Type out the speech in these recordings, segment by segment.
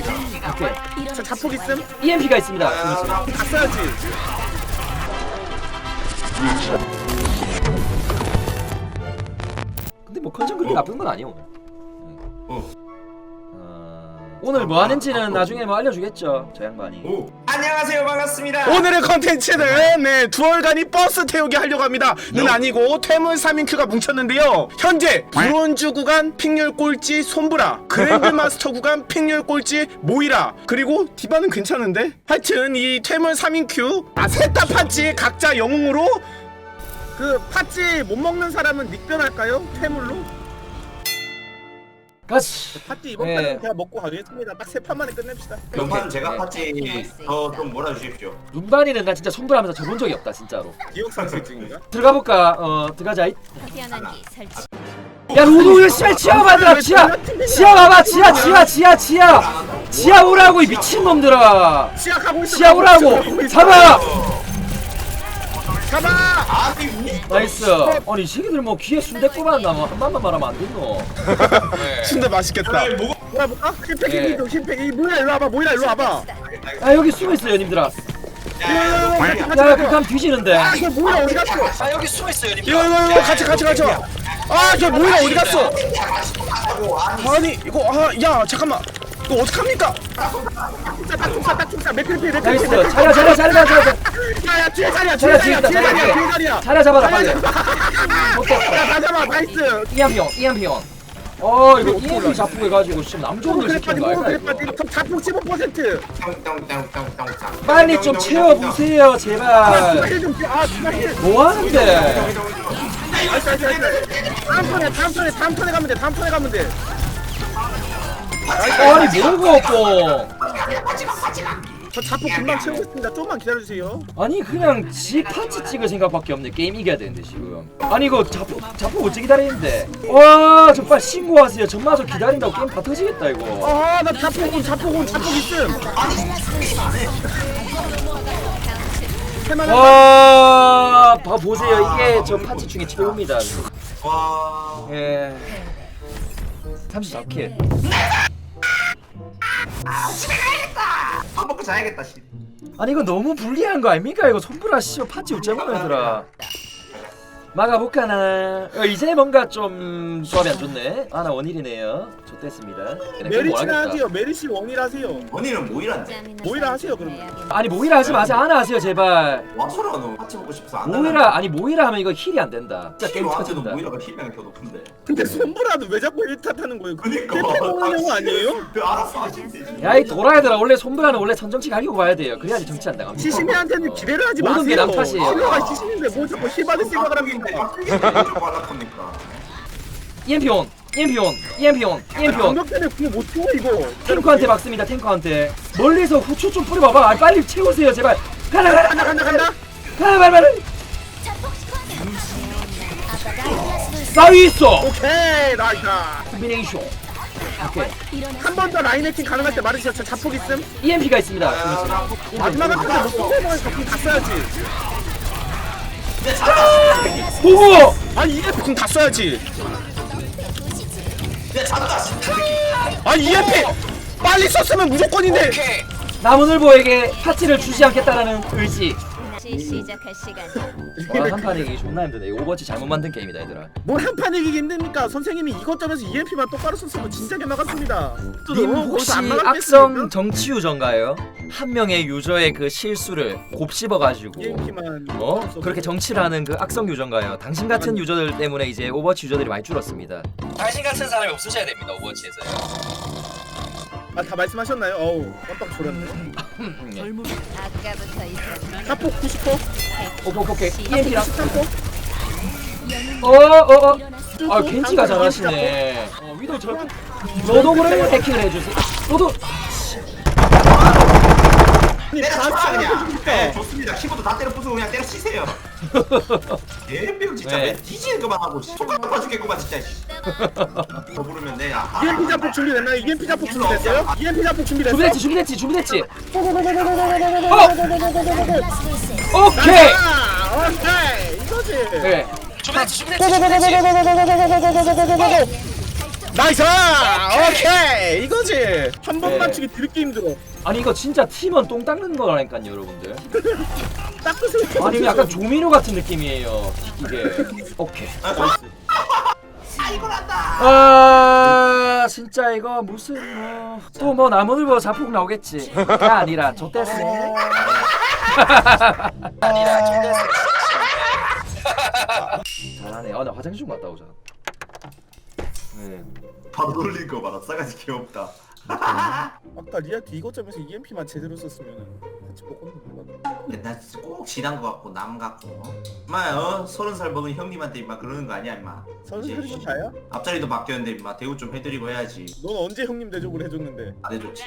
오케이. 저 자폭 있음? EMP가 있습니다. 다 써야지. 근데 뭐 컨디션 그렇게 나쁜 건 아니에요. 오늘 뭐 하는지는 나중에 뭐 알려주겠죠, 저 양반이. 안녕하세요, 반갑습니다. 오늘의 컨텐츠는 두월간이 버스 태우기 하려고 합니다. 는 아니고 퇴물 3인큐가 뭉쳤는데요. 현재 브론즈 구간 픽률 꼴찌 솜브라, 그랜드마스터 구간 픽률 꼴찌 모이라, 그리고 디바는 괜찮은데? 하여튼 이 퇴물 3인큐 셋 다 팥찌 각자 영웅으로 그 팥찌 못 먹는 사람은 닉변할까요? 퇴물로? 같이. 팥찌 이번 네. 판은 그냥 먹고 가겠습니다. 딱 세 판만에 끝냅시다. 이번 제가 네. 파티 더좀 몰아주십시오. 눈반이는 나 진짜 손불하면서 저본 적이 없다 진짜로. 기억상실증인가? 들어가 볼까? 들어가자. 태어난기 설치. 야 로도 씨발 지하 봐라 지하. 지하 봐봐 지하 오라고 이 미친 놈들아. 시작하고 있어. 지하 오라고. 잡아. 잡아. 나이스. 아니 이 새끼들 뭐 귀에 순댓국 받나 뭐 한 번만 말하면 안 됐노. 진짜 맛있겠다. 뭐야 볼까? 힐팩 네. 힐팩 힐팩 이 모이라 일로 와봐. 모이라 일로 와봐. 아 여기 숨어 있어요 님들아. 야 그감 뒤지는데. 아, 저 모이라 어디 갔어? 아 여기 숨어 있어요 님들아. 이거 같이 와. 아, 저 모이라 어디 갔어? 아니 이거 야 잠깐만. 이거 어떡합니까? 딱총사 맥크리피 나이스. 자리야. 야야 뒤에 자리야 자리야 잡아라 빨리. 다 잡아 나이스. 이암피온. 이거 EMP 자폭 해가지고 지금 남종들 시키는 거 알까 이거. 자폭 15%. 빨리 좀 채워보세요 제발. 뭐 하는데? 다음 턴에 가면 돼. 아니 뭐고 없고. 저 자폭 금방 채우겠습니다. 조금만 기다려주세요. 아니 그냥 지 파츠 찍을 생각밖에 없네. 게임 이겨야 되는데 지금. 아니 이거 자폭 어찌 기다리는데. 와 저 빨리 신고하세요. 전마저 기다린다고 게임 다 터지겠다 이거. 나 자폭 있음. 와 보세요 이게 저 파츠 중에 최고입니다. 와. 예. 34킬. 밥 먹고 자야겠다. 씨. 아니 이거 너무 불리한 거 아닙니까? 이거 손브라 씨발 파츠 웃자고 얘들아. 막아볼까나. 이제 뭔가 좀 조합이 안 좋네. 나 원일이네요. 좋댔습니다. 메리치나 하세요. 메리치 원이라세요. 원희는 모이란데. 모이라 하세요 그럼. 아니 모이라 하지 마세요. 하나 하세요 제발. 와서라 너 같이 먹고 싶어서 안 모이라 하면 이거 힐이 안 된다. 진짜 게임 와한테도 터진다. 모이라가 힐량이 더 높은데. 근데 손브라도 왜 자꾸 1탓 하는 거예요? 그니까. 힐팩 먹는 영화 아니에요? 알았어 하신대. 야이 도라이들아 원래 손브라는 원래 선정치 가리고 가야 돼요. 그래야지 정치 안 당합니다. 시시미한테는 기대를 하지 모든 게 마세요. 남 탓이에요. 힐러가 시시미인데 뭐 자꾸 힐 받을 생각을 합니까? EMP 온. 방벽 때문에 그거 못 치워 이거. 탱커한테 막습니다. 탱커한테. 멀리서 후추 좀 뿌려봐봐. 아니, 빨리 채우세요 제발. 간다. 빨리. 싸위 있어. 오케이 나이다. 콤비네이션. 오케이. 한 번 더 라인 해킹 가능할 때 말해주세요. 저 자폭 있음. EMP가 있습니다. 마지막에 근데 못 뽑아서 자폭 다 써야지. 보고. 아니 EMP 다 써야지. EMP 빨리 썼으면 무조건인데. 남은을보에게 파티를 주지 않겠다라는 의지. 시작할 시간. 와 한판 이기 존나 힘드네. 이거 오버워치 잘못 만든 게임이다 얘들아. 뭘 한판 이기기 힘듭니까? 선생님이 이것저것서 EMP만 똑바로 썼으면 진작에 나갔습니다. 님 혹시 악성 정치 유저인가요? 한 명의 유저의 그 실수를 곱씹어가지고 EMP만 그렇게 정치를 하는 그 악성 유저인가요? 당신 같은 유저들 때문에 이제 오버워치 유저들이 많이 줄었습니다. 당신 같은 사람이 없으셔야 됩니다 오버워치에서요. 다 말씀하셨나요? 어우 깜빡 졸았네. 아까부터 있었던 자폭 90%. 오케이. EMP랑 93%. 아 겐지가 잘하시네. 위도 너도 그러면 해킹을 해주세요. 너도 네, 좋습니다. 키보드 다 때려 부수고 그냥 때려 치세요. 개병 진짜 네. 왜 뒤지는 것만 하고 손가락 아파 죽겠구만 진짜. 더 부르면 돼. EMP 자폭 준비됐나요? EMP 자폭 준비됐어요? EMP 자폭 준비됐어요? 준비됐지. 오케이 오케이. 이거지. 네. 나이스! 오케이! 이거지! 한 번 네. 맞추기 되게 힘들어. 아니 이거 진짜 팀원 똥 닦는 거라니까요 여러분들. 닦으세요. 아니 이거 약간 조미료 같은 느낌이에요 이게. 오케이. 아 진짜 이거 무슨 또 뭐 나무늘보 자폭 나오겠지. 가 아니라 좆됐어. 잘하네. 나 화장실 좀 갔다 오자. 네. 바로 돌린 거 봐라. 싸가지 귀엽다. 아까 리아트 이거점에서 EMP만 제대로 썼으면 같이 먹었는데. 근데 나 진짜 꼭 지난 거 같고 남 같고. 임마 30살 먹은 형님한테 임마 그러는 거 아니야 임마. 선수들이 다야? 앞자리도 바뀌었는데 임마 대우 좀 해드리고 해야지. 넌 언제 형님 대접을 해줬는데? 안 해줬지.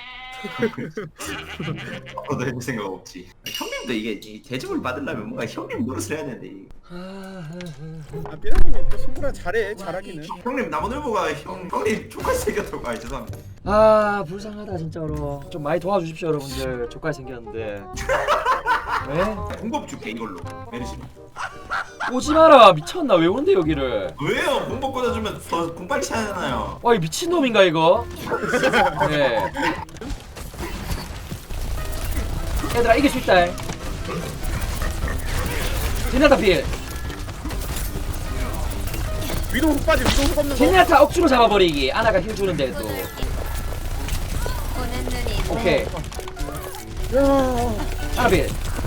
앞으로도 해줄 생각 없지. 형님도 이게 대접을 받으려면 뭔가 형님 노릇을 해야 되는데. 아 삐라님이 또 승부라 잘해. 잘하기는. 형님 나무늘보가 형님 족같이 생겼다고. 아 죄송합니다. 아 불쌍하다 진짜로. 좀 많이 도와주십시오 여러분들. 족같이 생겼는데. 왜? 공법 줄게 이걸로. 메르시. 오지 마라. 미쳤나? 왜 오는데 여기를? 왜요? 공법 꽂아주면 더 공빨리 차잖아요. 와 이 미친놈인가 이거? 네. 얘들아 이길 수 있다. 제냐타 필. 위도 훅 빠지. 위도 훅 없는 거. 제냐타 억지로 잡아버리기. 아나가 힐 주는데도. 오는 눈이 오케이. 야. 아나 필.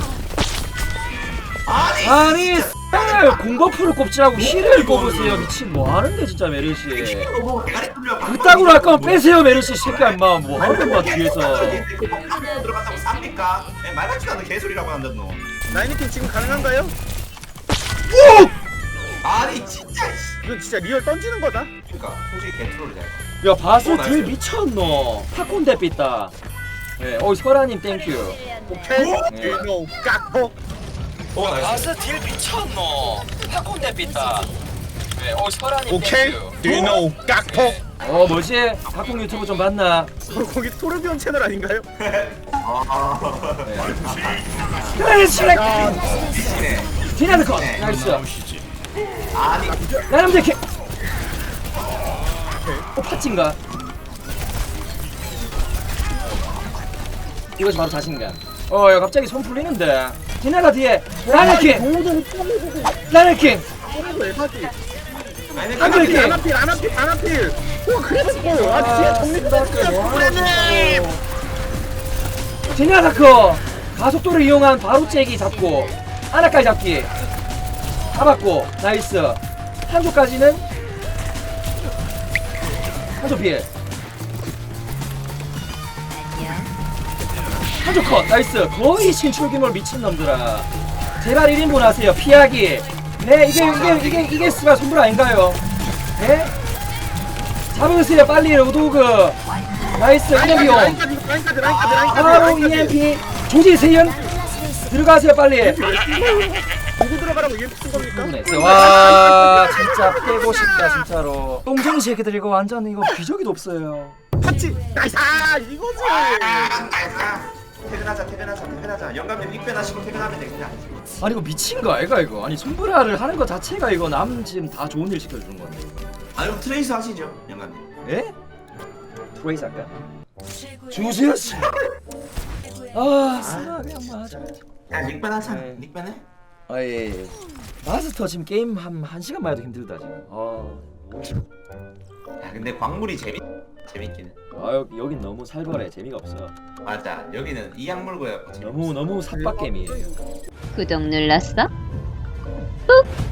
아니. 아니 공버프를 꼽지라고 힐을 꼽으세요. 미친 뭐하는데 진짜 메르시. 뭐 대가리 뚫려. 그따구로 할 거면 빼세요 메르시 새끼야 임마. 뭐하는 거야 뒤에서. 들어갔다고 삽니까? 말 같지도 않은 개소리라고 한단 너. 나이니팀 지금 가능한가요? 아니 진짜. 이건 진짜 리얼 던지는 거다. 그러니까 솔직히 개트롤이다. 야 바스 들 나이스. 미쳤노. 팝콘 대삐다. 네, 설아님 땡큐. 오케이. 네. 위도 깍포. 바스 딜 미쳤노. 팝콘 대삐다. 네, 설아님 오케이. 위도 깍포. 뭐지? 팝콘 유튜브 좀 봤나? 거기 토르비온 채널 아닌가요? 그래 슈렉. 네. 디나드 컷. 나이스. 아니 나름 대캐. 파친가? 이것이 바로 자신감. 야 갑자기 손 풀리는데. 디나가 뒤에 라네킹. 라네킹. 아니 한 줄. 안아필. 오 그래서 아 뒤에 정리. 디나다커 가속도를 이용한 바로 째기 잡고 아나까지 잡기 잡았고 나이스. 한조까지는 한조 피해. 한조 컷 나이스. 거의 신출귀몰 미친놈들아. 제발 1인분 하세요. 피하기. 네 이게 스가 손불 아닌가요? 네? 잡으세요 빨리 로도그. 나이스 EMP용. 라인까지. 바로 EMP 조지세연 들어가세요 빨리. 누구 들어가라고 EMP 쓴 겁니까? 와 진짜 빼고 싶다 진짜로. 똥쟁이 새끼들 이거 완전 이거 기저귀도 없어요. 팥지. 나이스. 이거지. 퇴근하자. 영감님 닉변 하시고 퇴근하면 돼 그냥. 아니 이거 미친 거 아이가 이거. 아니 손브라를 하는 거 자체가 이거 남 지금 다 좋은 일 시켜주는 건데. 아니 그럼 트레이스 하시죠 영감님. 예? 트레이스 할까? 주세요 씨. 아 쓰나 그냥 맞아. 야 닉변 하자. 네. 닉변 해. 아예 마스터 지금 게임 한 1시간만 해도 힘들다 지금. 야 근데 광물이 재밌기는. 여긴 너무 살벌해. 재미가 없어. 맞아 여기는 이 약물고요. 너무 삽박 게임이에요. 구독 눌렀어? 꾹.